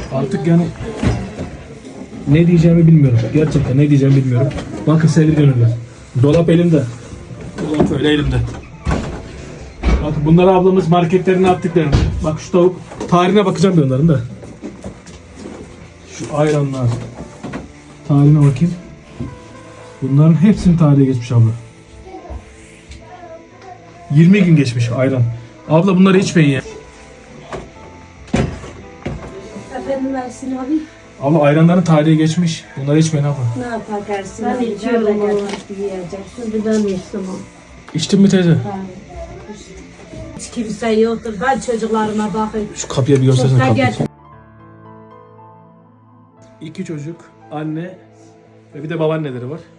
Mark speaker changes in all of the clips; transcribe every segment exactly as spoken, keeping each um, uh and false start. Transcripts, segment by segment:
Speaker 1: Artık yani ne diyeceğimi bilmiyorum. Gerçekten ne diyeceğimi bilmiyorum. Bakın sevgili gönüller. Dolap elimde. Dolap öyle elimde. Bakın bunları ablamız marketlerine attıklarını. Bak şu tavuk. Tarihine bakacağım bir onların da. Şu ayranlar. Tarihine bakayım. Bunların hepsinin tarihi geçmiş abla. yirmi gün geçmiş ayran. Abla bunları içmeyin ya.
Speaker 2: Efendim Ersin abi.
Speaker 1: Abla ayranların tarihi geçmiş. Bunları içmeyin abla.
Speaker 2: Ne yapar Ersin
Speaker 3: Ben
Speaker 2: abi?
Speaker 3: içiyorum
Speaker 2: Nerede
Speaker 3: onu.
Speaker 2: gelmek yiyeceksin?
Speaker 3: Bir ben içtim o.
Speaker 1: İçtin mi teyze?
Speaker 2: Hiç kimse yoktur. Ben çocuklarıma bakıyorum.
Speaker 1: Şu kapıya bir göstersene
Speaker 2: Çok da
Speaker 1: kapıyı.
Speaker 2: getir.
Speaker 1: İki çocuk, anne ve bir de babaanneleri var.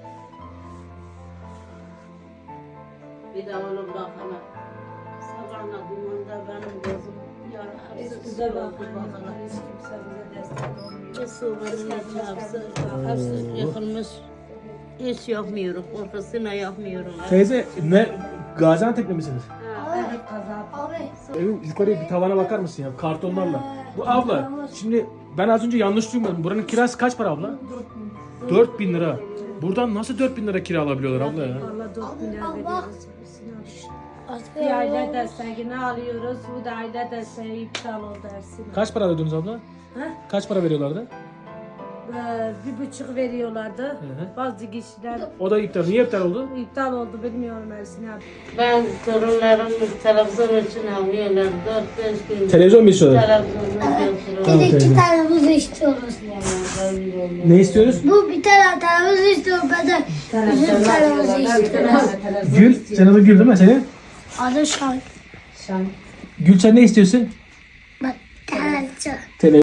Speaker 3: Bir de onun bakana. Sabahına dumanda benim gözüm yararız.
Speaker 2: Bize bakın. Hiç kimse bize destek olmuyor.
Speaker 3: Su benim çarpsın. Hepsi yıkılmış. Hiç yapmıyorum. Korkusuna yapmıyorum.
Speaker 1: Teyze ne? Gaziantep'li misiniz?
Speaker 2: Evet kaza.
Speaker 1: Evin yukarıya bir tavana bakar mısın ya kartonlarla? Bu abla şimdi ben az önce yanlış duymadım. Buranın kirası kaç para abla? dört bin lira. Buradan nasıl dört bin lira kira alabiliyorlar abla ya?
Speaker 2: Valla dört milyar veriyoruz. Bir aile desteğini alıyoruz. Bu da aile desteği iptal oldu Ersin.
Speaker 1: Kaç para ödediniz abla?
Speaker 2: Ha?
Speaker 1: Kaç para veriyorlardı?
Speaker 2: Ee, bir buçuk veriyorlardı.
Speaker 1: hı.
Speaker 2: Bazı kişiler
Speaker 1: O da iptal. Niye iptal oldu?
Speaker 2: iptal oldu bilmiyorum Ersin abi.
Speaker 3: Ben torunlarım televizyon için alıyorlar. Dört beş gün.
Speaker 1: Televizyon mu istiyorlar?
Speaker 3: Televizyonu
Speaker 4: Bir
Speaker 3: götürüyorlar.
Speaker 4: de iki tane buz istiyoruz.
Speaker 1: Ne istiyoruz?
Speaker 4: Bu bir tane tane buz istiyor. Ben de bizim tane buz istiyoruz.
Speaker 1: Gül. Sen adın Gül değil mi senin?
Speaker 4: Adı Şan.
Speaker 1: Gül sen ne istiyorsun?
Speaker 4: Bak, tane
Speaker 1: Televizyon.